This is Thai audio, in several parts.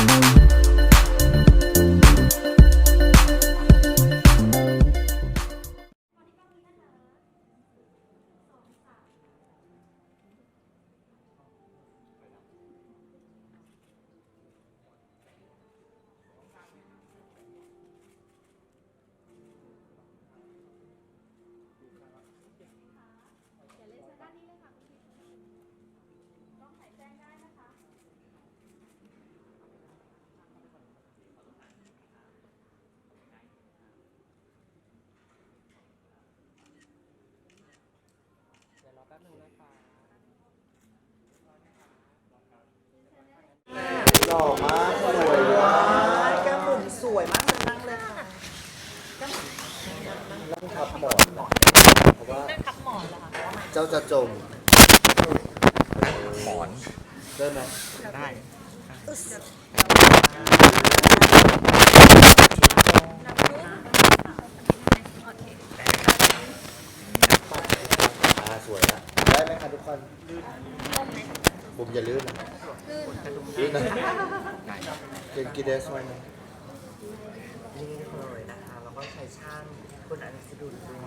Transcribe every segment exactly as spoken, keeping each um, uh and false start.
หล่อมากสวยมากแก้มบุ๋มสวยมากเลยนั่งเลยค่ะนั่งทับหมอนเพราะว่านั่งทับหมอนเหรอคะเจ้าจะจมนั่งทับหมอนได้ไหมได้สวยนะได้ไหมคะทุกคนบุ๋มอย่าลื่นนะลื่นนะเป็นกีเดสไว้นะนี่เลยนะคะแล้วก็ใช้ช่างคุณอนิสดุลด้วย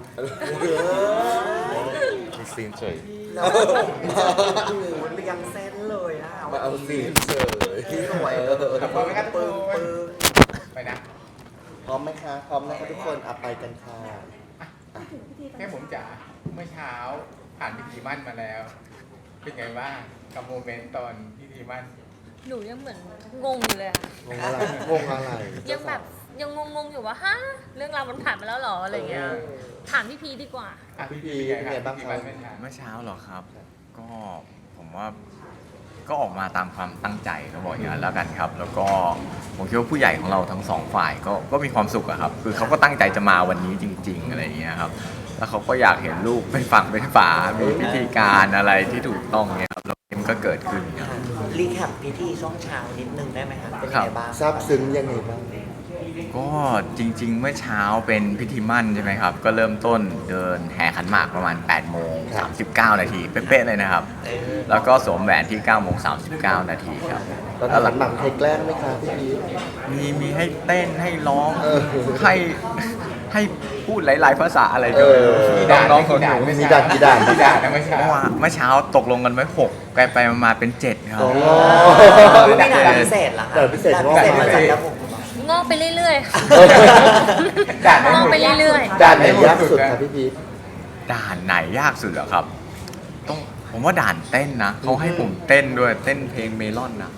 มีซีนเฉยแล้วดูเรียงเส้นเลยนะคะมาเอาซีนเฉยสวยเลยพร้อมไหมครับปึ้งปึ้งไปนะพร้อมไหมคะพร้อมนะคะทุกคนอ่ะไปกันค่ะแค่ผมจ๋าเมื่อเช้าผ่านพิธีมั่นมาแล้วเป็นไงบ้างกับโมเมนต์ตอนพิธีมั่นหนูยังเหมือนงงอยู่เลยอะงงอะไรงงอะไรยังแบบยังงงๆอยู่ว่าฮะเรื่องราวมันผ่านมาแล้วหรออะไรเงี้ยถามพี่พีดีกว่าพี่พีเป็นไงบ้างครับเมื่อเช้าเหรอครับก็ผมว่าก็ออกมาตามความตั้งใจเขาบอกอย่างนั้นแล้วกันครับแล้วก็ผมคิดว่าผู้ใหญ่ของเราทั้งสองฝ่ายก็ก็มีความสุขอะครับคือเขาก็ตั้งใจจะมาวันนี้จริงๆอะไรอย่างเงี้ยครับแล้วเขาก็อยากเห็นลูกเป็นฝั่งเป็นฝามีพิธีการอะไรที่ถูกต้องเนี่ยครับแล้วมันก็เกิดขึ้นครับรีแคปพิธีช่วงเช้านิดนึงได้ไหมครับเป็นยังไงบ้างซาบซึ้งยังไงบ้างก็จริงๆเมื่อเช้าเป็นพิธีมั่นใช่ไหมครับก็เริ่มต้นเดินแห่ขันหมากประมาณแปดโมงสามสิบเก้านาทีเป๊ะๆเลยนะครับแล้วก็สวมแหวนที่เก้าโมงสามสิบเก้านาทีครับแล้วหลังหลังใครแกล้งไหมครับพี่พีมีมีให้เต้นให้ร้องให้ให้พูดหลายๆภาษาอะไรด้วยน้องๆคนหนูมีด่านกี่ด่านกี่ด่านนะเมื่อเช้าเมื่อเช้าตกลงกันไว้หกไปไปมาเป็นเจ็ดครับไม่ด่านพิเศษเหรอคะด่านพิเศษด่านพิเศษมาจากครับผมงอกไปเรื่อยๆงอกไปเรื่อยๆด่านไหนยากสุดครับพี่พีด่านไหนยากสุดเหรอครับต้องผมว่าด่านเต้นนะเขาให้ผมเต้นด้วยเต้นเพลงเมลอนนะ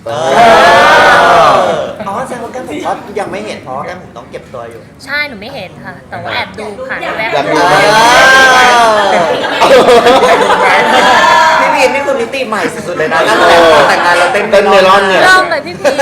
อ๋อแสดงว่าแก้มผมก็ยังไม่เห็นเพราะแก้มผมต้องเก็บตัวอยู่ใช่หนูไม่เห็นค่ะแต่ว่าแอบดูผ่านแวบพี่พีนี่คือมิติใหม่สุดๆเลยนะตั้งแต่แต่งงานเราเต้นเมลอนเนี่ยเริ่มเลยพี่พี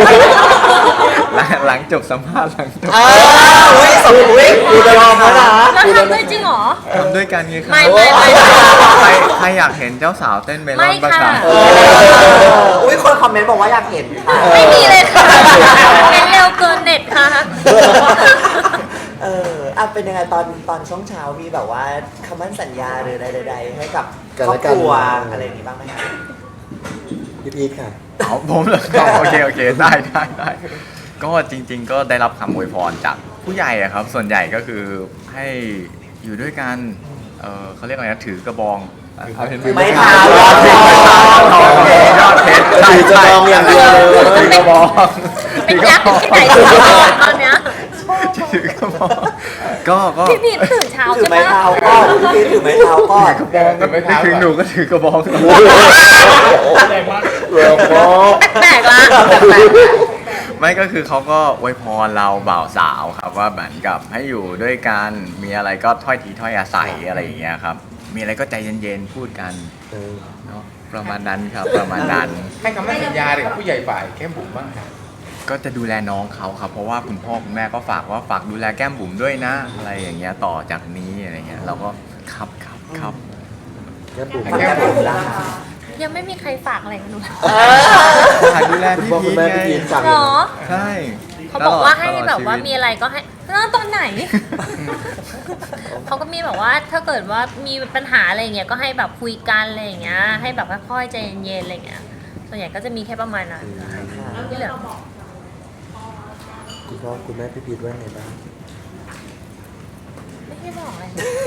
หลังจบสัมภาษณ์หลังจบอ้าวเฮ้ยสมวิดูไปรอมาละแล้วทำด้วยจริงเหรอทำด้วยกันไงครับไม่ไม่ไม่ใครใครอยากเห็นเจ้าสาวเต้นเมลอนบ้างครับอุ้ยคนคอมเมนต์บอกว่าอยากเห็นไม่มีเลยค่ะเป็นเร็วเกินเน็ตค่ะเอออ่ะเป็นยังไงตอนตอนช่วงเช้ามีแบบว่าคำมั่นสัญญาหรืออะไรใดๆให้กับครอบครัวอะไรอย่างนี้บ้างไหมคะพี่พีค่ะเอาผมเหรอโอเคโอเคได้ได้ได้ก็จริงๆก็ได้รับคำอวยพรจากผู้ใหญ่อะครับส่วนใหญ่ก็คือให้อยู่ด้วยกันเออเขาเรียกอะไรนะถือกระบองไม่เท้ายอดเพชรยอดเพชรใช่ใช่อย่างเดียวถือกระบองเป็นยักษ์ที่ไหนตอนเนี้ยถือกระบองก็ก็พี่พีตื่นเช้าถือใช่ไหมไม้เท้าก้อนพี่ถือไม้เท้าก้อนกระบองก็ไม่ถึงหนูก็ถือกระบองแรงมากแรงมากแปลกละไม่ก็คือเขาก็อวยพรเราบ่าวสาวครับว่าเหมือนกับให้อยู่ด้วยกันมีอะไรก็ถ้อยทีถ้อยอาศัยอะไรอย่างเงี้ยครับมีอะไรก็ใจเย็นๆพูดกันเนาะประมาณนั้นครับประมาณนั้นให้คำมั่นสัญญาเลยกับผู้ใหญ่ฝ่ายแก้มบุ๋มบ้างครับก็จะดูแลน้องเขาครับเพราะว่าคุณพ่อคุณแม่ก็ฝากว่าฝากดูแลแก้มบุ๋มด้วยนะอะไรอย่างเงี้ยต่อจากนี้อะไรเงี้ยเราก็ครับครับครับแก้มบุ๋มแก้มบุ๋มละยังไม่มีใครฝากอะไรกับหนูฝากดูแลพี่พีไงหรอใช่เขาบอกว่าให้แบบว่ามีอะไรก็ให้ตอนไหนเขาก็มีแบบว่าถ้าเกิดว่ามีปัญหาอะไรเงี้ยก็ให้แบบคุยกันอะไรอย่างเงี้ยให้แบบค่อยๆใจเย็นๆอะไรเงี้ยส่วนใหญ่ก็จะมีแค่ประมาณนั้นที่เหลือคุณพ่อคุณแม่พี่พีทว่าไงบ้างไม่ได้บอกอะไร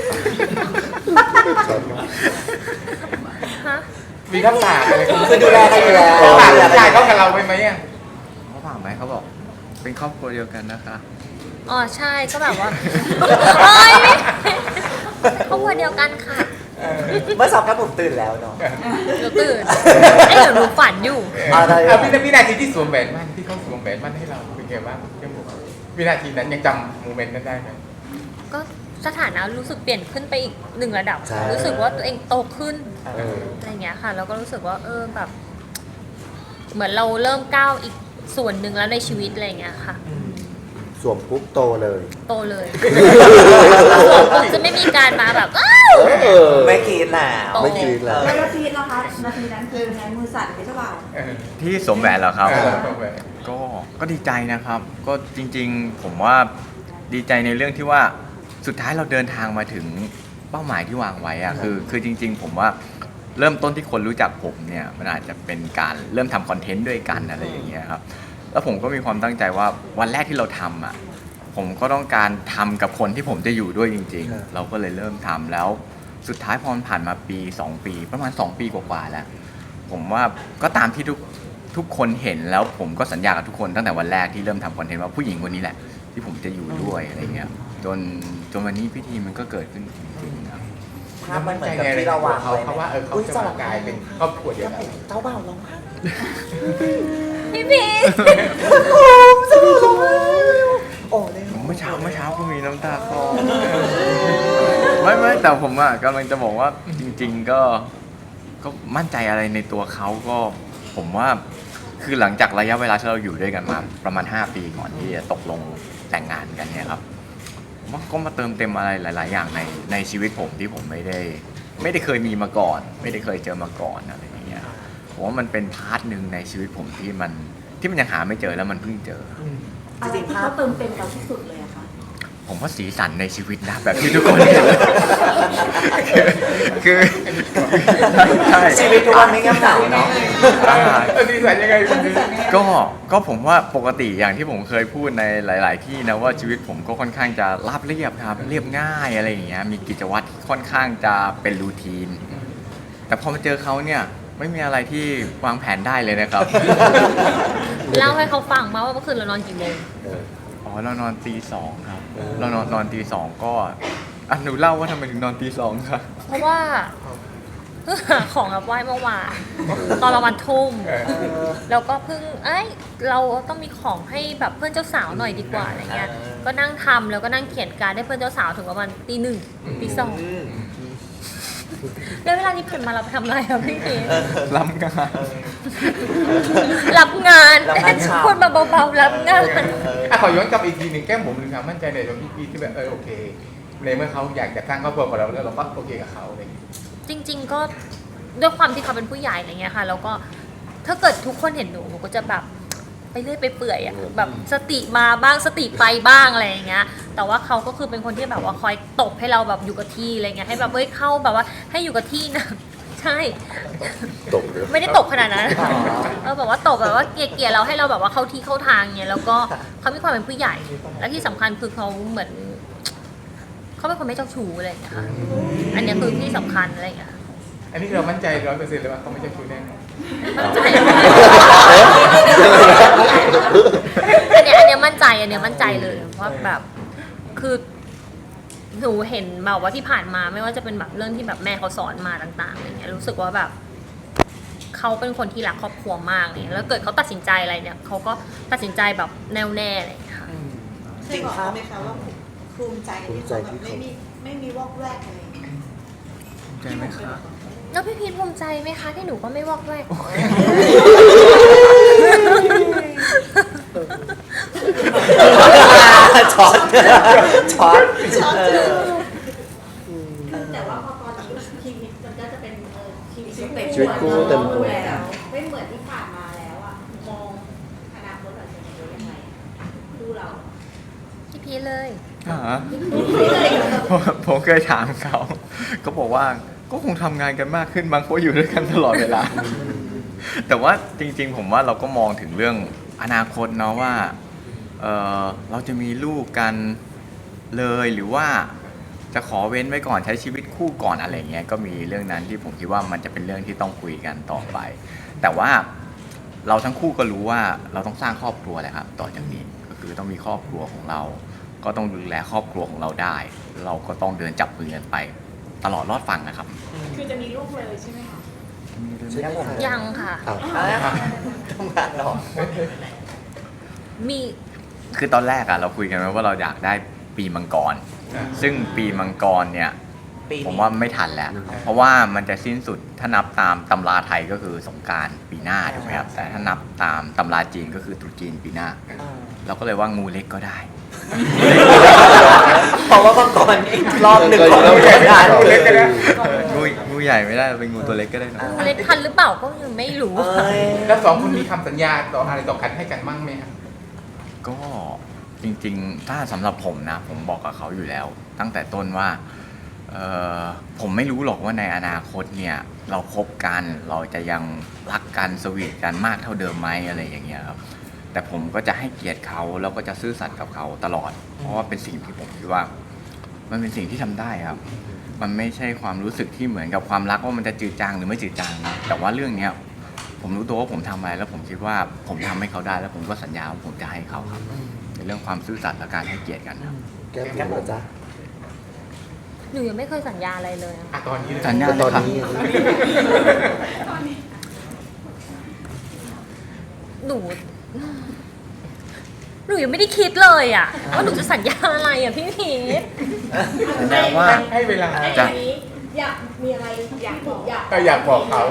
ชอบมากฮะมีน้ำตาอะไรคือดูแลกันอยู่แล้วน้ำตาน้ำตาเขากับเราไปไหมอ่ะเขาฝากไหมเขาบอกเป็นครอบครัวเดียวกันนะคะอ๋อใช่ก็แบบว่าโอ๊ยไม่ครอบครัวเดียวกันค่ะเมื่อสองกับผมตื่นแล้วเนาะเดี๋ยวตื่นไอ้เดี๋ยวหนูฝันอยู่อะไรอ่ะเอาวินาวินาทีที่สวมแหวนมั่นที่เขาสวมแหวนมั่นให้เราเป็นไงบ้างเจ้าหมูวินาทีนั้นยังจำโมเมนต์นั้นได้ไหมก็สถานะรู้สึกเปลี่ยนขึ้นไปอีกหนึ่งระดับใช่รู้สึกว่าตัวเองโตขึ้นเอออะไรเงี้ยค่ะแล้วก็รู้สึกว่าเออแบบ เหมือนเราเริ่มก้าวอีกส่วนหนึ่งแล้วในชีวิตอะไรเงี้ยค่ะสวมปุ๊บโตเลยโตเลยผมจะไม่มีการมาแบบอ้าวเออไม่กินแล้วโตไม่กรีดแล้วแล้วนาทีนะคะนาทีนั้นคือไงมือสั่นไปเจ้าบ่าวเออที่สวมแหวนเหรอครับเออสวมแหวนก็ก็ดีใจนะครับ ก็จริงๆ ผมว่าดีใจในเรื่องที่ว่าสุดท้ายเราเดินทางมาถึงเป้าหมายที่วางไว้อะคือคือจริง ๆ ผมว่าเริ่มต้นที่คนรู้จักผมเนี่ยมันอาจจะเป็นการเริ่มทำคอนเทนต์ด้วยกันอะไรอย่างเงี้ยครับแล้วผมก็มีความตั้งใจว่าวันแรกที่เราทำอ่ะผมก็ต้องการทำกับคนที่ผมจะอยู่ด้วยจริงครับๆ เราก็เลยเริ่มทำแล้วสุดท้ายพอมันผ่านมาปีสองปีประมาณสองปีกว่าๆแล้ว ผมว่าก็ตามที่ทุกทุกคนเห็นแล้วผมก็สัญญากับทุกคนตั้งแต่วันแรกที่เริ่มทำคอนเทนต์ว่าผู้หญิงคนนี้แหละ ที่ผมจะอยู่ด้วยอะไรเงี้ยจนจนวันนี้พิธีมันก็เกิดขึ้นจริงๆครับภาพมันเหมือนกับที่เราวางเขาไว้เขาว่าเออเขาจะมากลายเป็นครอบครัวเดียวกันเจ้าบ่าวร้องไห้พี่พีชเจ้าบ่าวร้องไห้โอ้เลยเมื่อเช้าเมื่อเช้าก็มีน้ำตาคลอไม่ไม่แต่ผมอ่ะกำลังจะบอกว่าจริง ๆก็ก็มั่นใจอะไรในตัวเขาก็ผมว่าคือหลังจากระยะเวลาที่เราอยู่ด้วยกันมาประมาณห้าปีก่อนที่จะตกลงแต่งงานกันเนี่ยครับผมว่าก็มาเติมเต็มอะไรหลาย ๆ อย่างในในชีวิตผมที่ผมไม่ได้ ไม่ได้เคยมีมาก่อน ไม่ได้เคยเจอมาก่อนอะไรอย่างเงี้ยผมว่ามันเป็นพาร์ทหนึ่งในชีวิตผมที่มันที่มันยังหาไม่เจอแล้วมันเพิ่งเจออะไรที่เขาเติมเต็มเราที่สุดเลยอะคะผมว่าสีสันในชีวิตนะแบบที่ทุกคนเห็นคือใช่ชีวิตทุกวันนี้เงียบเหงาเนาะอ่าเออดีสันยังไงคุณดีก็ก็ผมว่าปกติอย่างที่ผมเคยพูดในหลาย ๆ ที่นะว่าชีวิตผมก็ค่อนข้างจะราบเรียบครับเรียบง่ายอะไรอย่างเงี้ยมีกิจวัตรที่ค่อนข้างจะเป็นรูทีน แต่พอมาเจอเขาเนี่ยไม่มีอะไรที่วางแผนได้เลยนะครับเล่าให้เขาฟังมาว่าเมื่อคืนเรานอนกี่โมงเอออ๋อเรานอนตีสองครับเออเรานอนนอนตีสองก็อ่ะหนูเล่าว่าทำไมถึงนอนตีสองครับเพราะว่าเพิ่งหาของรับไหว้เมื่อวานตอนประมาณทุ่มเออแล้วก็เพิ่งเอ้ยเราต้องมีของให้แบบเพื่อนเจ้าสาวหน่อยดีกว่าอะไรเงี้ย ก็นั่งทำแล้วก็นั่งเขียนการดให้เพื่อนเจ้าสาวถึงประมาณตีหนึ่งตีสองแล้วเวลานี้ผ่านมาเราไปทำอะไรอะพี่พีชรับงานรับงานรับงานเช้าคนมาเบาๆรับงานอ่ะขอย้อนกลับอีกทีหนึ่งแก้มผมหรือความมั่นใจในตัวพี่พีที่แบบเออโอเค ในเมื่อเขาอยากจะสร้างครอบครัวกับเราแล้วเราก็โอเคกับเขาอะไรอย่างเงี้ยจริง ๆ ก็ด้วยความที่เขาเป็นผู้ใหญ่อะไรเงี้ยค่ะแล้วก็ถ้าเกิดทุกคนเห็นหนูหนูก็จะแบบไปเรื่อยไปเปื่อยอะแบบสติมาบ้างสติไปบ้างอะไรอย่างเงี้ย แต่ว่าเขาก็คือเป็นคนที่แบบว่าคอยตบให้เราแบบอยู่กับที่อะไรเงี้ยให้แบบเอ้ยเข้าแบบว่าให้อยู่กับที่นะ ใช่ตกเลยไม่ได้ตบขนาดนั้นเออแบบว่าตบแบบว่าเกลี่ยๆเราให้เราแบบว่าเข้าที่เข้าทางเงี้ยแล้วก็เขามีความเป็นผู้ใหญ่ และที่สำคัญคือเขาเหมือนเขาเป็นคนไม่เจ้าชู้อะไรอย่างเงี้ยค่ะอันเนี้ยคือที่สำคัญอะไรอย่างเงี้ยอันนี้เรามั่นใจร้อยเปอร์เซ็นต์เลยว่าเขาไม่ใช่ชู้แน่นอนมั่นใจอันเนี้ยอันเนี้ยมั่นใจอันเนี้ยมั่นใจเลยว่าแบบคือหนูเห็นแบบว่าที่ผ่านมาไม่ว่าจะเป็นแบบเรื่องที่แบบแม่เขาสอนมาต่างๆอะไรเงี้ยรู้สึกว่าแบบเขาเป็นคนที่รักครอบครัวมากเลยแล้วเกิดเขาตัดสินใจอะไรเนี่ยเขาก็ตัดสินใจแบบแน่วแน่อะไรอย่างเลยค่ะเคยบอกเขาไหมคะว่าภูมิใจที่เขาแบบไม่มีไม่มีวอกแวกอะไรอย่างเงี้ยใจไหมครับแล้วพี่พีทภูมิใจไหมคะที่หนูก็ไม่วอกแวกช็อตช็อตแต่ว่าพอตอนนี้ชีวิตมันก็จะเป็นเออชีวิตเต็มชีวิตคู่เต็มตัวแล้วไม่เหมือนที่ผ่านมาแล้วอะมองอนาคตเราจะเป็นยังไงดูเราพี่พีทเลยอ่าผมผมเคยถามเขาก็บอกว่าก็คงทำงานกันมากขึ้นบางเพราะอยู่ด้วยกันตลอดเวลา แต่ว่าจริง ๆ ผมว่าเราก็มองถึงเรื่องอนาคตเนาะว่าเอ่อเราจะมีลูกกันเลยหรือว่าจะขอเว้นไว้ก่อนใช้ชีวิตคู่ก่อนอะไรเงี้ยก็มีเรื่องนั้นที่ผมคิดว่ามันจะเป็นเรื่องที่ต้องคุยกันต่อไป แต่ว่าเราทั้งคู่ก็รู้ว่าเราต้องสร้างครอบครัวแหละครับต่อจากนี้ก็คือต้องมีครอบครัวของเรา ก็ต้องดูแลครอบครัวของเราได้ เราก็ต้องเดินจับมือกันไปตลอดรอดฝั่งนะครับคือจะมีลูกเลยใช่ไหมคะใช่ไหมคะยังค่ะอ้าวทำงานหรอมีคือตอนแรกอะเราคุยกันไว้ว่าเราอยากได้ปีมังกร ซึ่งปีมังกรเนี่ยปีนี้ผมว่าไม่ทันแล้ว เพราะว่ามันจะสิ้นสุดถ้านับตามตำราไทยก็คือสงกรานต์ปีหน้าถูกไหมครับ แต่ถ้านับตามตำราจีนก็คือตรุษจีนปีหน้าอ่าเราก็เลยว่างูเล็กก็ได้เพราะว่ามังกรอีกรอบหนึ่งของเราจะงานงูเล็กก็ได้งูงูใหญ่ไม่ได้เป็นงูตัวเล็กก็ได้นะเล็กทันหรือเปล่าก็ยังไม่รู้เอ้ยแล้วสองคนมีคำสัญญาต่ออะไรต่อกันให้กันมั่งไหมครับก็จริงๆ ถ้าสำหรับผมนะ ผมบอกกับเขาอยู่แล้ว ตั้งแต่ต้นว่าเอ่อผมไม่รู้หรอกว่าในอนาคตเนี่ยเราคบกันเราจะยังรักกันสวีทกันมากเท่าเดิมไหมอะไรอย่างเงี้ยครับแต่ผมก็จะให้เกียรติเขาแล้วก็จะซื่อสัตย์กับเขาตลอด เพราะว่าเป็นสิ่งที่ผมคิดว่า มันเป็นสิ่งที่ทำได้ครับ มันไม่ใช่ความรู้สึกที่เหมือนกับความรักว่ามันจะจืดจางหรือไม่จืดจางนะแต่ว่าเรื่องเนี้ยผมรู้ตัวว่าผมทำอะไรแล้วผมคิดว่าผมทำให้เขาได้แล้วผมก็สัญญาว่าผมจะให้เขาครับในเรื่องความซื่อสัตย์และการให้เกียรติกันครับแก้มบุ๋มเหรอจ๊ะหนูยังไม่เคยสัญญาอะไรเลยอะอ่ะตอนนี้เลยสัญญาแต่ตอนนี้หนู หนูยังไม่ได้คิดเลยอ่ะว่าหนูจะสัญญาอะไรอ่ะพี่พีทสัญญาว่าให้เวลาไอ้จะอันนี้อยากมีอะไรอยากบอกอยากก็อยากบอกเขา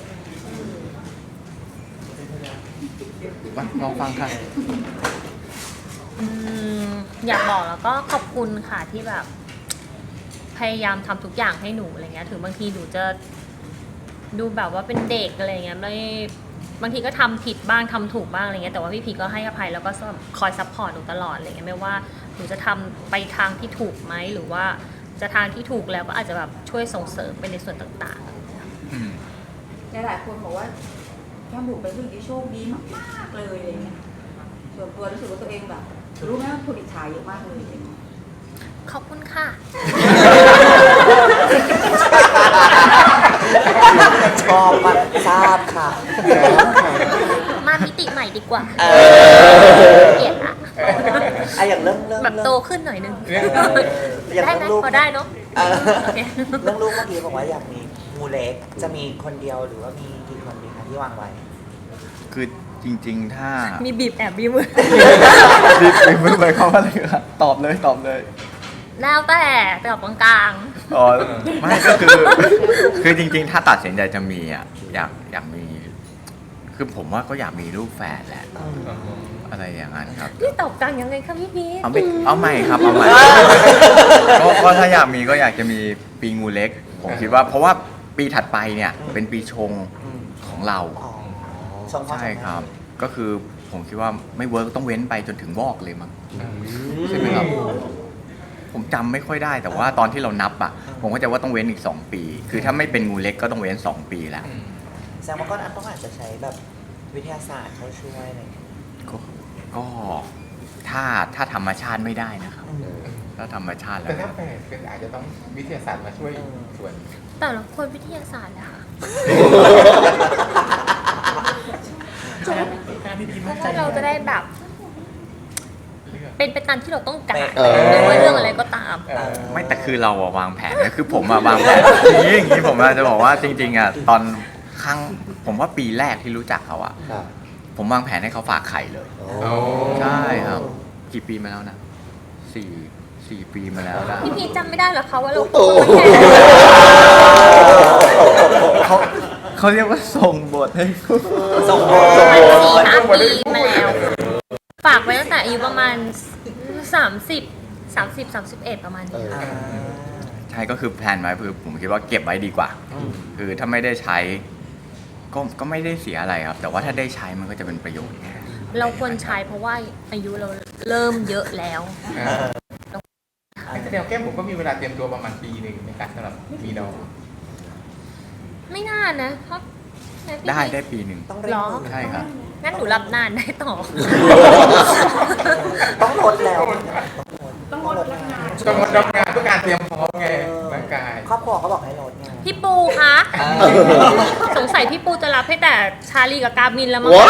มาลองฟังค่ะอืมอยากบอกแล้วก็ขอบคุณค่ะที่แบบ พยายามทำทุกอย่างให้หนูอะไรเงี้ยถึงบางทีหนูจะดูแบบว่าเป็นเด็กอะไรเงี้ยไม่บางทีก็ทำผิดบ้างทำถูกบ้างอะไรเงี้ยแต่ว่าพี่พีก็ให้อภัยแล้วก็คอยซัพพอร์ตหนูตลอดอะไรเงี้ยไม่ว่าหนูจะทำไปทางที่ถูกไหมหรือว่าจะทางที่ถูกแล้วก็อาจจะแบบช่วยส่งเสริมไปในส่วนต่างๆหลายๆคนบอกว่าแก้มบุ๋มเป็นผู้หญิงที่โชคดีมากๆเลยอะไรเงี้ยส่วนตัวรู้สึกว่าตัวเองแบบรู้ไหมว่าคนอิจฉาเยอะมากเลยขอบคุณค่ะชอบมากทราบค่ะมามิติใหม่ดีกว่าเอเกลียดอะอะอย่างเรื่องเรื่องแบบโตเรื่องขึ้นหน่อยนึงเรื่องอย่างได้เรื่ไหมองลูกพอได้เนาะเออโอเคเรื่องลูกเมื่อกี้บอกว่าอยากมีงูเล็กจะมีคนเดียวหรือว่ามีกี่คนดีคะที่วางไว้คือจริง ๆ ถ้ามีบีบแอบบีบมือรีบไปมือไปเข้ามาเลยครับตอบเลยตอบเลยแล้วแต่แต่แบบกลางอ๋อไม่ก็คือ คือจริง ๆ ถ้าตัดสินใจจะมีอ่ะอยากอยากมี คือผมว่าก็อยากมีลูกแฝดแหละ อะไรอย่างนั้นครับๆพี่ตอบกลางยังไงคะพี่พีทเอาไม่เอาใหม่ครับเอาใหม่ก็ก็ถ้าอยากมีก็อยากจะมีปีงูเล็ก ผมคิดว่าเพราะว่าปีถัดไปเนี่ยเป็นปีชงของเราอ๋อชงพ่อใช่ครับ ก็คือผมคิดว่าไม่เวิร์กต้องเว้นไปจนถึงวอกเลยมั้งใช่ไหมครับ ผมจำไม่ค่อยได้แต่ว่าตอนที่เรานับอ่ะ ผมก็จะว่าต้องเว้นอีกสองปี คือถ้าไม่เป็นงูเล็กก็ต้องเว้นสองปีแล้วแสดงว่าก็ต้องอาจจะใช้แบบวิทยาศาสตร์เข้าช่วยอะไรอย่างเงี้ยก็ก็ถ้าถ้าธรรมชาติไม่ได้นะครับ ถ้าธรรมชาติแล้แต่วถ้าแฝดเป็นอาจจะต้องวิทยาศาสตร์มาช่วยส่วนแต่ละคนวิทยาศาสตร์แหละค่ะเพราะว่าเราจะได้แบบ เป็นไปตามที่เราต้องการเออไม่ว่าเรื่องอะไรก็ตามเออไม่แต่คือเราอะวางแผนนะคือผมอะวางแผนอย่างนี้อย่างนี้ผมอะจะบอกว่าจริงๆอะตอนครั้งผมว่าปีแรกที่รู้จักเขาอะค่ะผมวางแผนให้เขาฝากไข่เลยโอ้โอ้ใช่ครับ กี่ปีมาแล้วนะสี่สี่ปีมาแล้วนะพี่พีทจำไม่ได้เหรอคะว่าเราโอ้คุยโหกันแค่เขาเขาเรียกว่าส่งบทให้คุณส่งโบสี่ห้าปีมาแล้ว ฝากไว้ตั้งแต่อายุประมาณสามสิบสามสิบสามสิบเอ็ดประมาณนี้ค่ะอ่าใช่ก็คือแพลนไว้คือผมคิดว่าเก็บไว้ดีกว่า คือถ้าไม่ได้ใช้ก็ก็ไม่ได้เสียอะไรครับ แต่ว่าถ้าได้ใช้มันก็จะเป็นประโยชน์ไงเราควรใช้เพราะว่าอายุเราเริ่มเยอะแล้วแสดงว่าแก้มผมก็มีเวลาเตรียมตัวประมาณปีหนึ่งในการสำหรับมีน้องไม่น่านะเพราะได้ได้ปีหนึ่งต้องเร่งหรอมือใช่ครับงั้นหนูรับนานได้ต่อต้องลดแล้วต้องงดรับงานต้องงดรับงานเพื่อการเตรียมพร้อมไงร่างกายครอบครัวเขาบอกให้ลดไงพี่ปูคะเออสงสัยพี่ปูจะรับให้แต่ชาลีกับกามินแล้วมั้งว้าว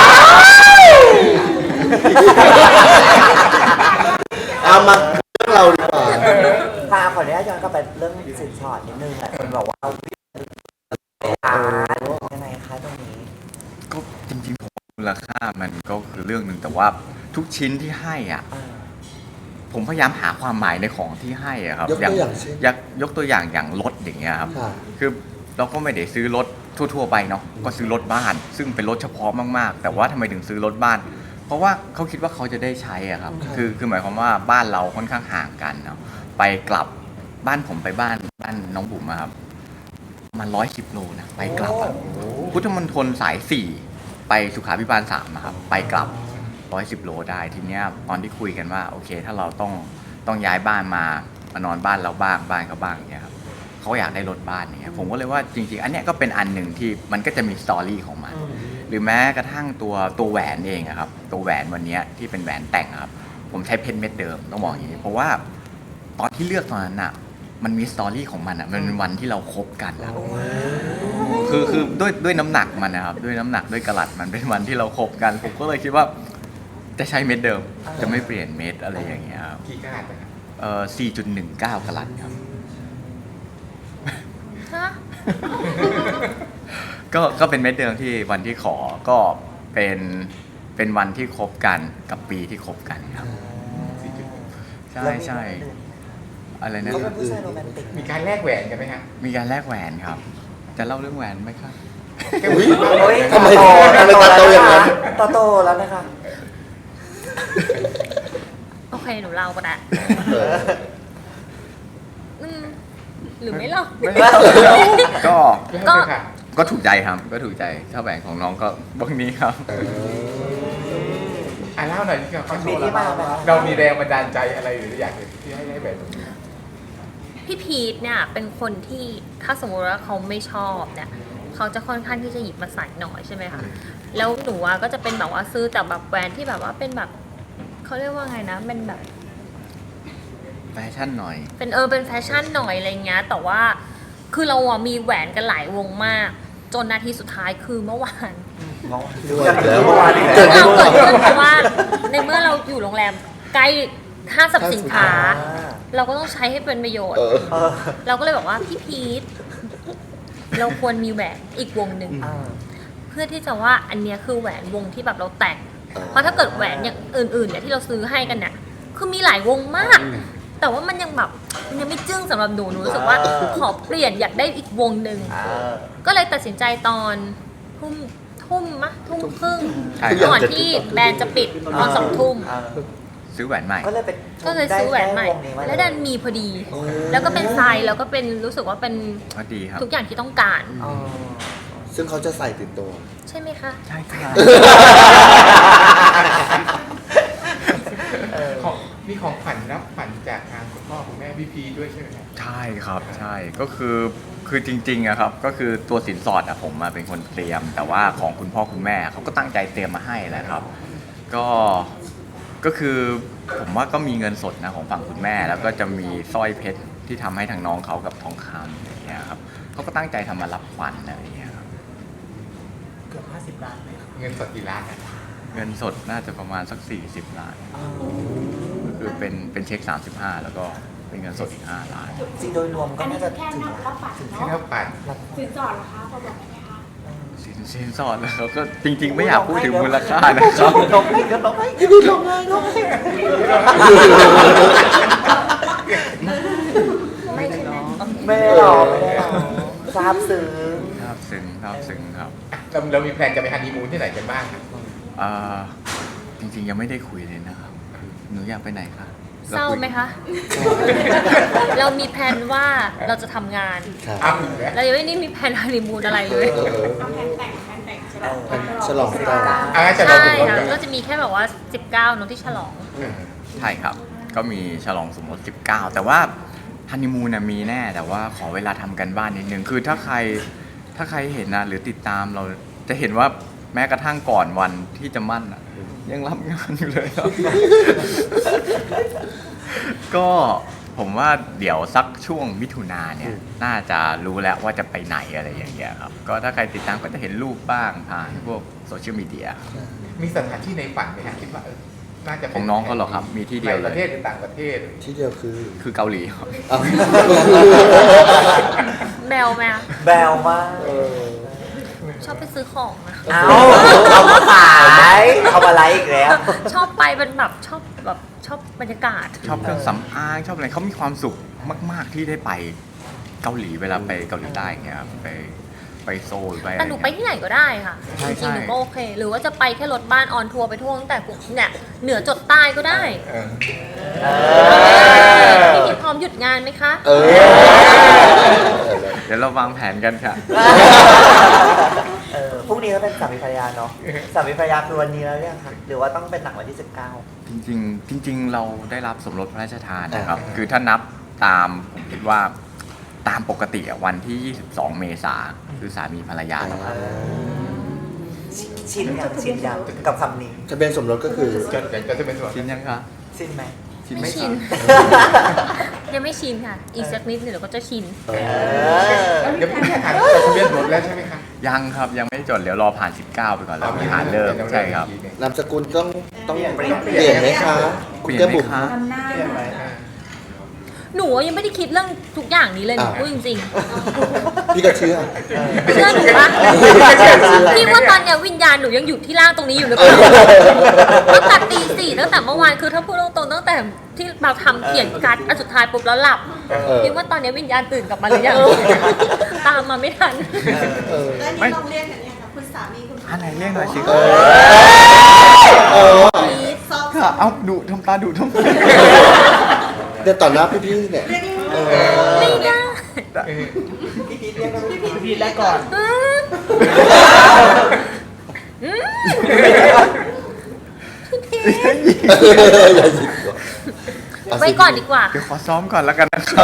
เอามาเรื่องเราดีกว่าพาขออนุญาตย้อนกลับไปเรื่องสินสอดนิดนึงแหละคนบอกว่าอายังไงคะตรงนี้ก็จริงๆผมว่ามูลค่ามันก็คือเรื่องหนึ่งแต่ว่าทุกชิ้นที่ให้อ่ะอ่าผมพยายามหาความหมายในของที่ให้อะครับยกตัวอย่างเช่นยกยกตัวอย่างอย่างรถอย่างเงี้ยครับค่ะคือเราก็ไม่ได้ซื้อรถทั่วๆไปเนาะก็ซื้อรถบ้าน ซึ่งเป็นรถเฉพาะมากๆ แต่ว่าทำไมถึงซื้อรถบ้าน เพราะว่าเขาคิดว่าเขาจะได้ใช้อะครับครับคือคือหมายความว่าบ้านเราค่อนข้างห่างกันเนาะไปกลับบ้านผมไปบ้านบ้านน้องบุ๋มอะครับมันร้อยสิบโลนะไปกลับอะพุทธมณฑลสายสี่ไปสุขาภิบาลสามอะครับไปกลับร้อยสิบโลได้ทีเนี้ยตอนที่คุยกันว่าโอเค ถ้าเราต้องต้องย้ายบ้านมามานอนบ้านเราบ้างบ้านเขาบ้างอย่างเงี้ยครับเขาอยากได้รถบ้านอย่างเงี้ยผมก็เลยว่าจริงๆ อันเนี้ยก็เป็นอันหนึ่งที่มันก็จะมีสตอรี่ของมัน หรือแม้กระทั่งตัวตัวแหวนเองอะครับตัวแหวนวันเนี้ยที่เป็นแหวนแต่งอะครับผมใช้เพชรเม็ดเดิมต้องบอกอย่างนี้เพราะว่าตอนที่เลือกตอนนั้นอะมันมีสตอรี่ของมันอะมันเป็นวันที่เราคบกันอะคือคือด้วยด้วยน้ำหนักมันนะครับด้วยน้ำหนักด้วยกะลัดมันเป็นวันที่เราคบกัน ผมก็เลยคิดว่าจะใช้เม็ดเดิม จะไม่เปลี่ยนเม็ดอะไรอย่างเงี้ยครับกี่กาดนะครับเอ่อ สี่จุดหนึ่งเก้า กะลัดครับฮะก็ก็เป็นเม็ดเดิมที่วันที่ขอก็เป็นเป็นวันที่คบกันกับปีที่คบกันครับ ใช่ใช่อะไรนะเขาเป็นผู้ชายโรแมนติกมีการแลกแหวนกันไหมฮะมีการแลกแหวนครับ จะเล่าเรื่องแหวนไหมครับอุ๊ยโอ้ยทำไมทำไมตาโตอย่างนั้นตาโตแล้วนะคะโอเคหนูเล่าก็ได้เอออืมหรือไม่เล่าก็ก็ค่ะก็ถูกใจครับ ก็ถูกใจถ้าแหวนของน้องก็บางนี้ครับอ่ะเล่าหน่อยที่เรามันมีที่มาไหมเรามีแรงบันดาลใจอะไรหรืออยากที่ให้ได้แหวนตรงนี้พี่พีทเนี่ยเป็นคนที่ถ้าสมมติว่าเขาไม่ชอบเนี่ยเขาจะค่อนข้างที่จะหยิบมาใส่หน่อยใช่ไหมคะแล้วหนูอะก็จะเป็นแบบว่าซื้อแต่แบบแหวนที่แบบว่าเป็นแบบเขาเรียกว่าไงนะเป็นแบบแฟชั่นหน่อยเป็นเออเป็นแฟชั่นหน่อยอะไรเงี้ยแต่ว่าคือเราอะมีแหวนกันหลายวงมาก จนนาทีสุดท้ายคือเมื่อวานด้วยแล้วเมื่อวานอีกเกิแล้วดเราขึ้นเกิดขึ้นเพราะว่าในเมื่อเราอยู่โรงแรมใกล้ห้างสรรพสินค้า เราก็ต้องใช้ให้เป็นประโยชน์เออเออเราก็เลยบอกว่าพี่พีทเราควรมีแหวนอีกวงหนึ่งอ่าเพื่อที่จะว่าอันเนี้ยคือแหวนวงที่แบบเราแต่ง เพราะถ้าเกิดแหวนอย่างอื่นๆเนี่ยที่เราซื้อให้กันเนี่ยคือมีหลายวงมาก แต่ว่ามันยังแบบมันยังไม่จึ้งสำหรับหนูหนูรู้สึกว่าขอเปลี่ยนอยากได้อีกวงหนึ่งอ่าก็เลยตัดสินใจตอนทุ่มทุ่มมะทุ่มครึ่งใช่ครับก่อนที่แบรนด์จะปิดตอนสองทุ่มอ่าซื้อแหวนใหม่ก็เลยเป็นก็เลยซื้อแหวนใหม่ได้วงนี้มาแล้วดันมีพอดี แล้วก็เป็นไซส์แล้วก็เป็นรู้สึกว่าเป็นก็ดีครับทุกอย่างที่ต้องการอ๋อซึ่งเขาจะใส่ติดตัวใช่ไหมคะใช่ค่ะเออของมีของขวัญรับขวัญจากทางคุณพ่อคุณแม่พี่พีด้วยใช่ไหมครับใช่ครับใช่ก็คือคือจริงๆอะครับก็คือตัวสินสอดอะผมมาเป็นคนเตรียม แต่ว่าของคุณพ่อคุณแม่เขาก็ตั้งใจเตรียมมาให้แหละครับ ก็ก็คือผมว่าก็มีเงินสดนะของฝั่งคุณแม่ แล้วก็จะมีสร้อยเพชรที่ทำให้ทางน้องเขากับทองคำอย่างเงี้ยครับเขาก็ตั้งใจทำมารับขวัญอะไรอย่างเงี้ยครับเกือบห้าสิบล้านเลยเงินสดกี่ล้านนะเงินสดน่าจะประมาณสักสี่สิบล้านก็คือเป็นเป็นเช็คสามสิบห้าแล้วก็เป็นเงินสดอีกห้าล้านจริงโดยรวมก็อันนี้น่าจะแค่ถึงนับรับฝันแค่เนาะเท่าปัดสินสอดเหรอคะพอบอกได้ไหมคะสินสินสอดแล้วก็จริง ๆ ไม่อยากพูดถึงมูลค่านะครับลงให้ก็ลงให้พี่พี่ลงเลยลงเลยไม่ใช่ไหมไม่ได้หรอกไม่ได้หรอกทราบซึ้งครับซึ้งครับซึ้งครับเราเรามีแพลนจะไปฮันนีมูนที่ไหนกันบ้างครับอ่าจริงๆยังไม่ได้คุยเลยนะครับหนูอยากไปไหนคะเศร้าไหมคะ เรามีแผนว่าเราจะทำงานครับอ้าวอีกแล้วเรายังไม่ได้มีแผนฮันนีมูนอะไรเลยเออเอาแผนแต่งแผนแต่งใช่ไหมเป็นฉลองแต่งอ่าจะเราใช่ดูค่ะกันก็จะมีแค่แบบว่าสิบเก้าน้องที่ฉลองใช่ครับ ก็มีฉลองสมรสสิบเก้าแต่ว่าฮันนีมูนน่ะมีแน่แต่ว่าขอเวลาทำกันบ้านนิดนึงคือถ้าใครถ้าใครเห็นนะหรือติดตามเราจะเห็นว่าแม้กระทั่งก่อนวันที่จะมั่นอะยังรับงานอยู่เลยครับ ก็ผมว่าเดี๋ยวสักช่วงมิถุนาเนี่ยน่าจะรู้แล้วว่าจะไปไหนอะไรอย่างเงี้ยครับก็ถ้าใครติดตามก็จะเห็นรูปบ้างผ่านพวกโซเชียลมีเดียมีสถานที่ในฝันไหมฮะคิดว่าเออน่าจะเป็ของน้องเขาเหรอครับมีที่เดียวในเลประเทศยหรือต่างประเทศที่เดียวคือคือเกาหลีครับอ้าวแบลไหมอะแบวมากเออชอบไปซื้อของนะเอาเอามาขายเอามาไลฟ์อีกแล้วชอบไปเป็นแบบชอบแบบชอบบรรยากาศชอบเครื่องสำอางชอบอะไรเขามีความสุขมาก ๆที่ได้ไปเกาหลีเวลาไปเกาหลีใต้เงี้ยครับไปไปโซลไปอะไรแต่หนูไปเงี้ยที่ไหนก็ได้ค่ะใช่จริงๆหนูใช่ก็โอเค หรือว่าจะไปแค่รถบ้านออนทัวร์ไปทั่วตั้งแต่เนี่ยเหนือจดใต้ก็ได้เออเออพี่พีพร้อมหยุดงานไหมคะเออเดี๋ยวเราวางแผนกันค่ะเออพรุ่งนี้ก็เป็นสามีภรรยาเนาะสามีภรรยาคือวันนี้แล้วเนี่ยค่ะหรือว่าต้องเป็นหนังวันที่สิบเก้าจริงๆจริง ๆ เราได้รับสมรสพระราชทานนะครับ คือถ้านับตามผมคิดว่าตามปกติอะวันที่ ยี่สิบสอง เมษาคือสามีภรรยาแล้วครับชินยังชินยังกับคำนี้ทะเบียนสมรสก็คือจดจะจะเป็นส่วนชินยังคะชินไหมชินไม่ไหมชินคะยังไม่ชินค่ะ อีกสักนิดหนึ่งเดี๋ยวก็จะชินเออเดี๋ยวพี่แค่ถามจดทะเบียนสมรสแล้วใช่ไหมครับยังครับยังไม่จดเดี๋ยวรอผ่าน สิบเก้า ไปก่อนแล้วผ่านเริ่มใช่ครับนามสกุลต้องต้องเปลี่ยนเปลี่ยนไหมคะคุณแก้มบุ๋มเปลี่ยนไหมคะทำหน้าเปลี่ยนไหมอ่าหนูยังไม่ได้คิดเรื่องทุกอย่างนี้เลยหนูอ่าพูดจริงพี่ก็เชื่อๆเชื่อหนูปะพี่ว่าตอนเนี้ยวิญญาณหนูยังอยู่ที่ร่างตรงนี้อยู่หรือเปล่าตั้งแต่ตีสี่ตั้งแต่เมื่อวานคือถ้าพูดตรงๆตั้งแต่ที่เราทำเขียนการ์ดอันสุดท้ายปุ๊บแล้วหลับเออพี่ว่าตอนเนี้ยวิญญาณตื่นกลับมาหรือยังตามมาไม่ทันเออแล้วไม่นี่ต้องเรียกกันเนี่ยค่ะคุณสามีคุณอันไหนเรียกหน่อยสิเอคะอเออซอฟค่ะเอาดุทำตาดุทำไมเดี๋ยวต่อหน้าพี่ๆเนี่ยเรียกเออไม่ได้พี่แล้วก่อนอืมอืมอย่าหยิบก่อนไว้ก่อนดีกว่าเดี๋ยวขอซ้อมก่อนแล้วกันนะครับ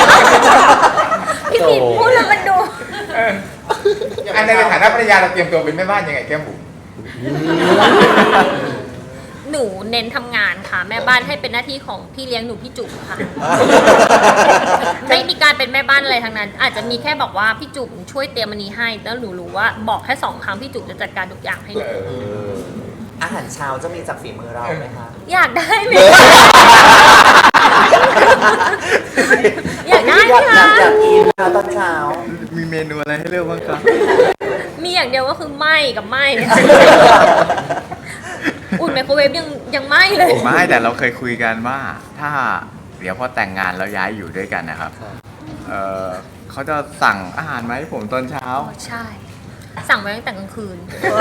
พี่ผิดพูดแล้วมันดูอันในฐานะภรรยาเราเตรียมตัวเป็นแม่บ้านยังไงแก้มบุ๋มหนูเน้นทำงานค่ะ แม่บ้านให้เป็นหน้าที่ของพี่เลี้ยงหนูพี่จุ๋มค่ะ ไม่มีการเป็นแม่บ้านอะไรทั้งนั้น อาจจะมีแค่บอกว่าพี่จุ๋มช่วยเตรียมอันนี้ให้แล้วหนูรู้ว่าบอกแค่สองครั้งพี่จุ๋มจะจัดการทุกอย่างให้หนูอาหารเช้าจะมีจากฝีมือเราไหมคะอยากได้ไหมอยากได้อยากไหมอยาคะกอยากกินนะตอนเช้ามีเมนูอะไรให้เลือกบ้างครับมีอย่างเดียวก็คือไหมกับไหมอุ่นไมโครเวฟยังยังไหมเลยไม่แต่เราเคยคุยกันว่า ถ้าเดี๋ยวพอแต่งงานแล้วย้ายอยู่ด้วยกันนะครับเออเขาจะสั่งอาหารมาให้ผมตอนเช้าใช่ สั่งไว้ตั้งแต่กลางคืน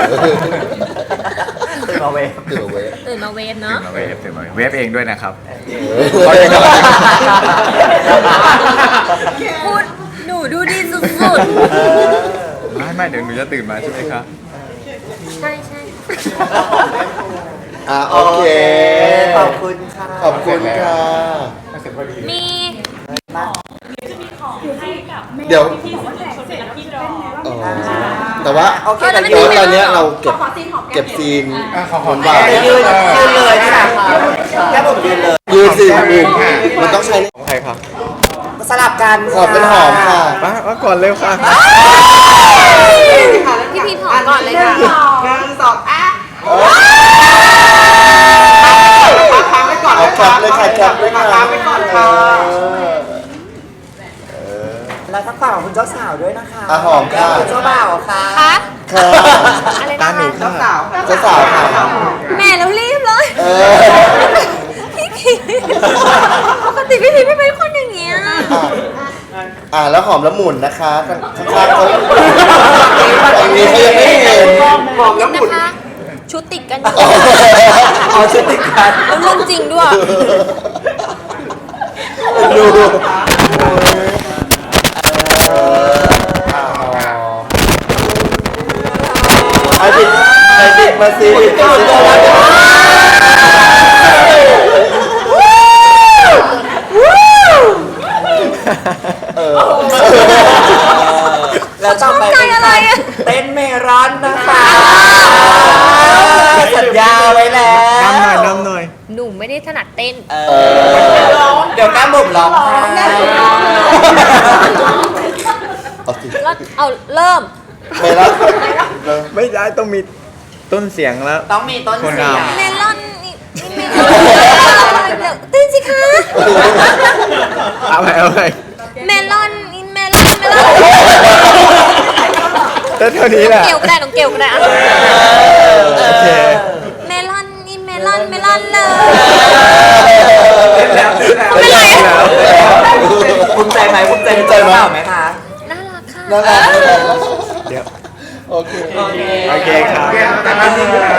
ตื่นมาเวฟตื่นเอาไว้ตื่นมาเวฟตื่เนาะนมาเวฟตื่นมาเวฟเวฟเองด้วยนะครับพูดหนูดูดีสุดไม่ไม่เดี๋ยวหนูจะตื่นมาใช่ไหมครับๆ ใช่ใช่อ่ะโอเคขอบคุณค่ะขอบคุณค่ะมาเสร็จพอดีมีเดี๋ยวเออแต่ว่าโอเคแต่แต่ยืยืนนตอนเนี้ยเราเก็บขอซีนหอมแก้เก็มบซีนอ่ะขอหอมหวานยืนยืนเลยค่ะแค่ผมยืนเลยยืนซีนอื่นมันต้องใช้ของใครครับสลับกันหอมเป็นหอมค่ะมามาก่อนเร็วค่ะพี่พีทหอมก่อนเลยค่ะหนึ่งสองอ่ะเอาแคปเลยค่ะแคปเลยค่ะแล้วทักฝั่งของคุณเจ้าสาวด้วยนะคะอ่ะหอมค่ะคุณเจ้าบ่าวค่ะคะค่ะอะไรตานะหนูคะค่ะเจ้าสาวค่ะแม่แล้วรีบเลยเออพี่พีปกติพี่พีไม่เป็นคนอย่างเงี้ยอ่ะอ่าแล้วหอมแล้วหมุนนะคะข้างๆเขาอันนี้เขายังไม่เห็นหอมแล้วหมุนนะคะ ชุดติดกันอยู่อ๋อชุดติดกันแล้วเรื่องจริงด้วยดูไอบิดไอบิดมาสิบิดมาสิเออแล้วต่อไปเป็นใครถนัดเต้นเออเดี๋ยวก้ามบุ๋มร้องไห้เอาสิแล้วเอาเริ่มไปแล้วไม่ได้ต้องมีต้นเสียงแล้วต้องมีต้นเสียงเมลอนนี่นี่เมลอนเดี๋ยวเต้นสิคะเอาไปเอาไปเมลอนอินเมลอนเมลอนเต้นเท่านี้แหละเกี่ยวก็ได้น้องเกี่ยวก็ได้อะโอเคเมลอนอินเมลอนเมลอนเลยแล้วไม่เป็นไรภูมิใจไหมภูมิใจในตัวเราไหมคะน่ารักค่ะน่ารักเดี๋ยวโอเคโอเคโอเคครับแต่มาจริงแล้ว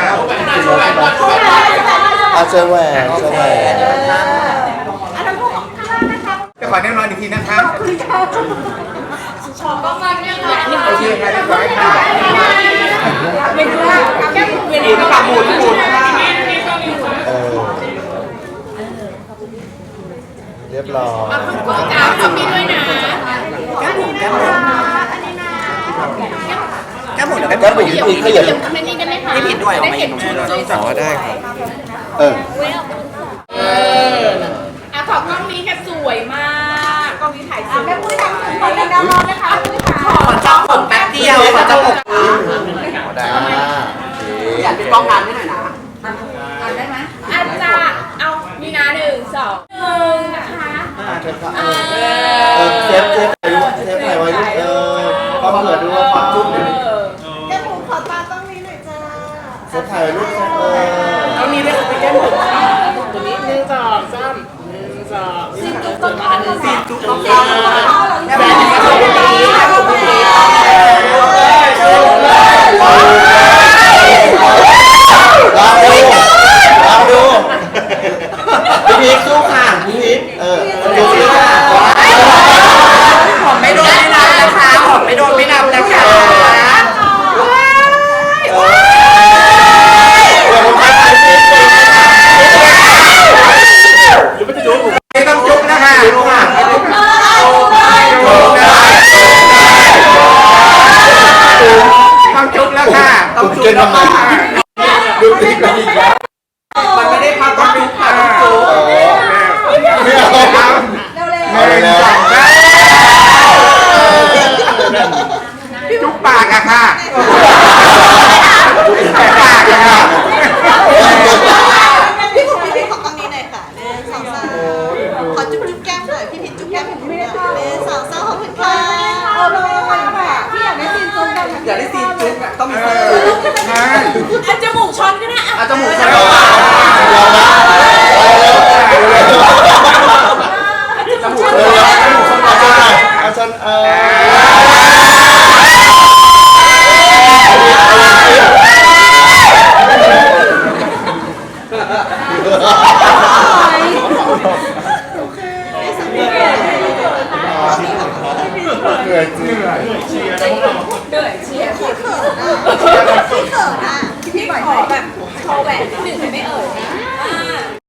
อาเจอแหวนเจอแหวนจะขอแน่นอนอีกทีนะคะโอเคค่ะเรียบร้อยค่ะเออเรียบร้อยแก้มบุ๋มแก้มบุ๋มแก้มบุ๋มเดี๋ยวแก้มบุ๋มพี่ขยับพี่ผิดด้วยออกมาอีกหน่อยด้วยอ๋อได้ครับเอออ่ะขอกล้องนี้ค่ะสวยมากกล้องนี้ถ่ายสวยแม่ปุ้ยทำถึงคนเลยนะรอนะคะปุ้ยค่ะขอจ้องผมแป๊บเดียวขอจ้องผมได้โอเคอยากเป็นกล้องงานให้หน่อยนะได้ไหมอาจารย์เอามีนาหนึ่งสองหนึ่งนะคะอ่ะเธอค่ะเออเออเซฟเซฟถ่ายรูปเซฟถ่ายไว้ลูกเออความเผื่อดูว่าความจุ๊บเนี่ยแก้มบุ๋มขอตาต้องนี้หน่อยจ้าเซฟถ่ายไว้ลูกเซฟเออต้องมีด้วยเป็นแก้มบุ๋มตัวนี้หนึ่งสองสามหนึ่งสองสี่จุดต้นมาหนึ่งสี่จุดต้องกล้องแก้มบุ๋มแก้มบุ๋มดีแก้มบุ๋มดีลองดูลองดูพี่พีคสู้ค่ะพี่พีคเออดูสิค่ะผมไม่โดนไม่นับนะคะผมไม่โดนไม่นับนะคะเออเดี๋ยวผมไปถ่ายคลิปก่อนไม่ต้องจุ๊บนะคะจุ๊บค่ะจุ๊บค่ะต้องจุ๊บแล้วค่ะต้องจุ๊บทำไมดูสิกันอีกแล้วมันไม่ได้พักต้องจุ๊บค่ะต้องจุ๊บไม่เอาหนึ่งสองสามจุ๊บปากอะค่ะแต่ปากอะค่ะพี่บุ๋มพี่พีขอกล้องนี้หน่อยค่ะหนึ่งสองสามขอจุ๊บจุ๊บแก้มหน่อยพี่พีจุ๊บแก้มให้หนูหน่อยหนึ่งสองสามขอบคุณค่ะเอาเลยค่ะพี่อยากได้ซีนจุ๊บกันอยากได้ซีนจุ๊บอะต้องมีเอซีนอจุ๊บใช่อ่ะจมูกช้อนก็ได้อ่ะเอาจมูกใส่เอาละเอาละจมูกเออเอาฉันเออเหนื่อยจริงพี่เขินอ่ะพี่ขอแบบโชว์แหวนที่หนึ่งไม่เอ่ยนะ